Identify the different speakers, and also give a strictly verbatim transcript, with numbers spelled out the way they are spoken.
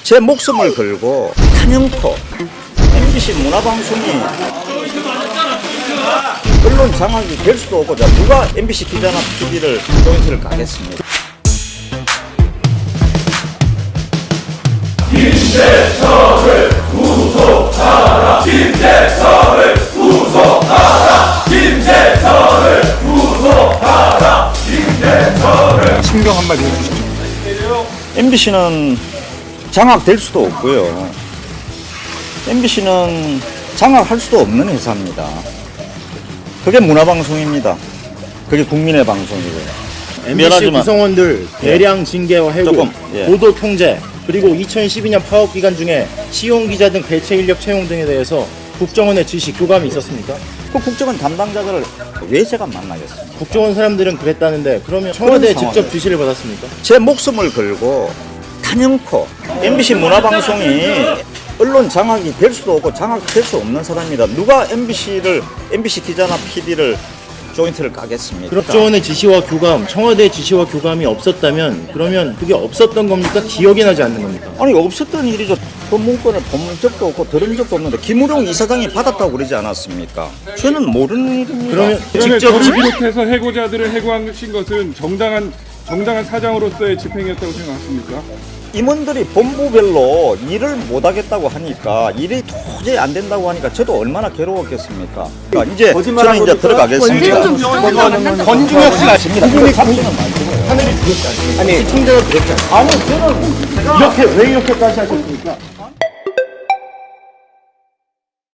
Speaker 1: 제 목숨을 걸고 탄영코 엠비씨 문화방송이 언론 장악이 될 수도 없고, 자, 누가 엠비씨 기자나 피디를 조인트를 가겠습니까?
Speaker 2: 김재철을 구속하라! 김재철을 구속하라! 김재철을 구속하라! 김재철을
Speaker 3: 심경 한마디 해주시죠.
Speaker 1: 엠비씨는 장악될 수도 없고요. 엠비씨는 장악할 수도 없는 회사입니다. 그게 문화방송입니다. 그게 국민의 방송이고요.
Speaker 4: 엠비씨
Speaker 1: 미안하지만
Speaker 4: 구성원들 대량 징계와 해고,
Speaker 1: 조금, 예.
Speaker 4: 보도 통제, 그리고 이천십이 년 파업 기간 중에 시용 기자 등 대체 인력 채용 등에 대해서 국정원의 지시 교감이 있었습니까?
Speaker 1: 그 국정원 담당자들을 왜 제가 만나겠습니까?
Speaker 4: 국정원 사람들은 그랬다는데 그러면 청와대에
Speaker 1: 그런
Speaker 4: 직접
Speaker 1: 상황이에요.
Speaker 4: 지시를 받았습니까?
Speaker 1: 제 목숨을 걸고 탄영코 엠비씨 문화방송이 언론 장악이 될 수도 없고 장악될 수 없는 사람입니다. 누가 엠비씨를 엠비씨 기자나 피디를 조인트를 까겠습니까?
Speaker 4: 국정원의 지시와 교감, 청와대의 지시와 교감이 없었다면 그러면 그게 없었던 겁니까? 기억이 나지 않는 겁니까?
Speaker 1: 아니, 없었던 일이죠. 그 문건을 본 적도 없고 들은 적도 없는데 김우룡 이사장이 받았다고 그러지 않았습니까? 저는 모르는 일입니다.
Speaker 4: 그러면
Speaker 3: 그러면
Speaker 4: 직접
Speaker 3: 저를
Speaker 4: 지-
Speaker 3: 비롯해서 해고자들을 해고하신 것은 정당한 정당한 사장으로서의 집행이었다고 생각하십니까?
Speaker 1: 임원들이 본부별로 일을 못하겠다고 하니까 일이 도저히 안 된다고 하니까 저도 얼마나 괴로웠겠습니까? 그러니까 이제 저는 이제 들어가겠습니다.
Speaker 4: 권중혁 씨가
Speaker 1: 아십니다. 그걸 잡지는 말고요.
Speaker 4: 하늘이 두렵지 않습니까? 아니 시청자가 두렵지 않습니까?
Speaker 1: 아니, 저는
Speaker 4: 이렇게 왜 이렇게까지 하셨습니까?